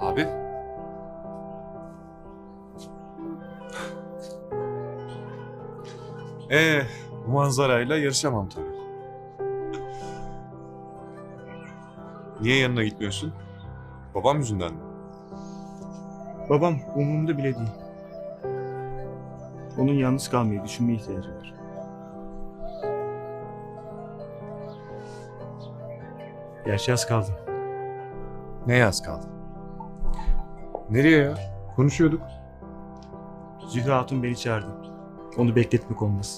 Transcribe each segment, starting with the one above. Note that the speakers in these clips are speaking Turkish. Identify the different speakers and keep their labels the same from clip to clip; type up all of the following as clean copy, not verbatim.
Speaker 1: Abi. Bu manzarayla yarışamam tabii. Niye yanına gitmiyorsun? Babam yüzünden mi?
Speaker 2: Babam umurumda bile değil. Onun yalnız kalmayı düşünmeye ihtiyacı var. Gerçi az kaldı.
Speaker 1: Ne yaz kaldı? Nereye ya? Konuşuyorduk.
Speaker 2: Zühre Hatun beni çağırdı. Onu bekletmek olmaz.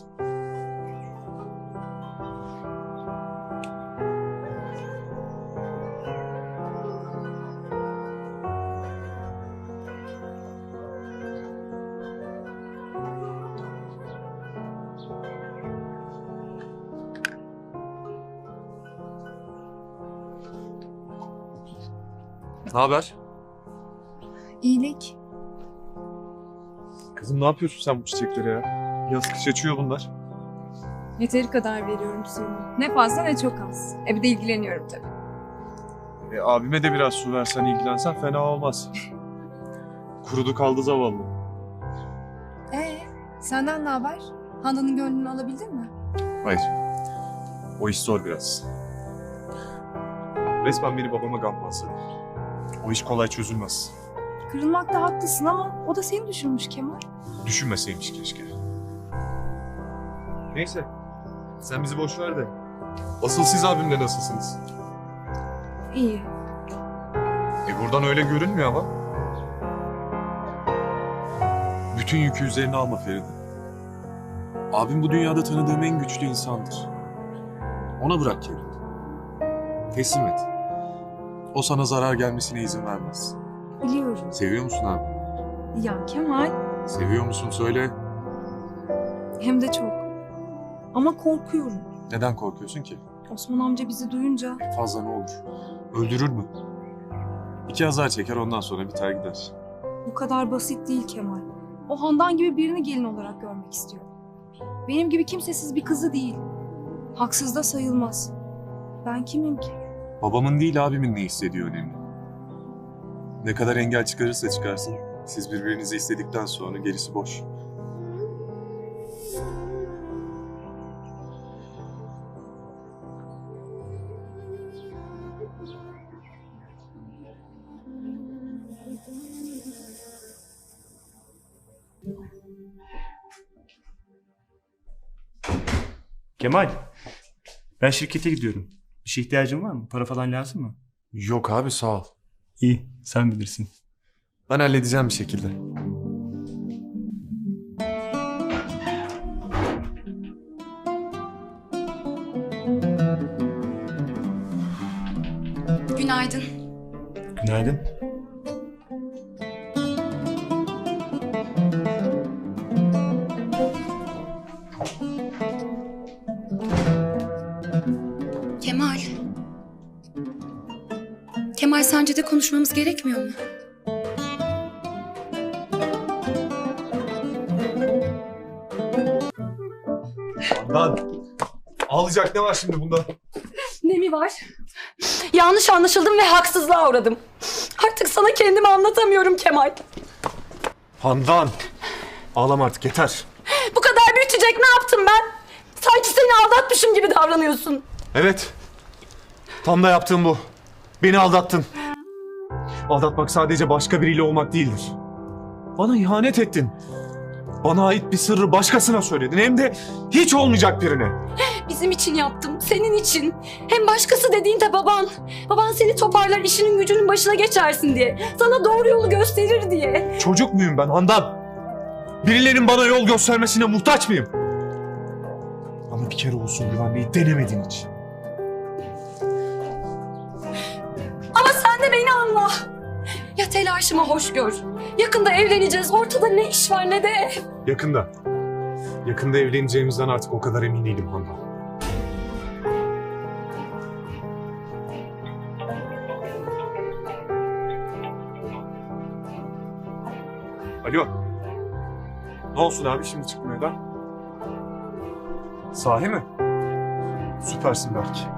Speaker 1: Ne haber?
Speaker 3: İyilik.
Speaker 1: Kızım ne yapıyorsun sen bu çiçeklere ya? Yaz kış açıyor bunlar.
Speaker 3: Yeteri kadar veriyorum suyunu. Ne fazla ne çok az. Bir de ilgileniyorum tabii.
Speaker 1: Abime de biraz su versen ilgilensen fena olmaz. Kurudu kaldı zavallı.
Speaker 3: Senden ne haber? Handan'ın gönlünü alabildin mi?
Speaker 1: Hayır. O iş zor biraz. Resmen beni babama gammazladı. O iş kolay çözülmez.
Speaker 3: Kırılmakta haklısın ama o da seni düşünmüş Kemal.
Speaker 1: Düşünmeseymiş keşke. Neyse. Sen bizi boş ver de. Asıl siz abimle nasılsınız?
Speaker 3: İyi.
Speaker 1: Buradan öyle görünmüyor ama. Bütün yükü üzerine alma Feride. Abim bu dünyada tanıdığım en güçlü insandır. Ona bırak kendini. Teslim et. O sana zarar gelmesine izin vermez.
Speaker 3: Biliyorum.
Speaker 1: Seviyor musun abi?
Speaker 3: Ya Kemal.
Speaker 1: Seviyor musun söyle.
Speaker 3: Hem de çok. Ama korkuyorum.
Speaker 1: Neden korkuyorsun ki?
Speaker 3: Osman amca bizi duyunca
Speaker 1: Fazla ne olur? Öldürür mü? 2 azar çeker ondan sonra biter gider.
Speaker 3: bu kadar basit değil Kemal. O Handan gibi birini gelin olarak görmek istiyor. Benim gibi kimsesiz bir kızı değil. Haksız da sayılmaz. Ben kimim ki?
Speaker 1: Babamın değil abimin ne istediği önemli. Ne kadar engel çıkarırsa çıkarsın, siz birbirinizi istedikten sonra gerisi boş.
Speaker 2: Kemal, ben şirkete gidiyorum. Bir şey ihtiyacın var mı? Para falan lazım mı?
Speaker 1: Yok abi sağ ol.
Speaker 2: İyi, sen bilirsin.
Speaker 1: Ben halledeceğim bir şekilde.
Speaker 3: Günaydın.
Speaker 2: Günaydın.
Speaker 4: Kemal. Kemal sence de konuşmamız gerekmiyor mu?
Speaker 1: Handan, ağlayacak ne var şimdi bunda?
Speaker 4: Ne mi var? Yanlış anlaşıldım ve haksızlığa uğradım. Artık sana kendimi anlatamıyorum Kemal.
Speaker 1: Handan, ağlama artık yeter.
Speaker 4: Bu kadar büyütecek ne yaptım ben? Sanki seni aldatmışım gibi davranıyorsun.
Speaker 1: Evet, tam da yaptığım bu. Beni aldattın. Aldatmak sadece başka biriyle olmak değildir. Bana ihanet ettin. Bana ait bir sırrı başkasına söyledin. Hem de hiç olmayacak birine.
Speaker 4: Bizim için yaptım, senin için. Hem başkası dediğin de baban. Baban seni toparlar, işinin gücünün başına geçersin diye. Sana doğru yolu gösterir diye.
Speaker 1: Çocuk muyum ben Handan? Birilerinin bana yol göstermesine muhtaç mıyım? Ama bir kere olsun güvenmeyi denemedin hiç.
Speaker 4: Ama sen de beni anla. Ya telaşımı hoş gör. Yakında evleneceğiz. Ortada ne iş var ne de ev.
Speaker 1: Yakında. Yakında evleneceğimizden artık o kadar emin değilim Handan. Alo. Ne olsun abi şimdi çıkmıyor da? Sahi mi? Süpersin belki.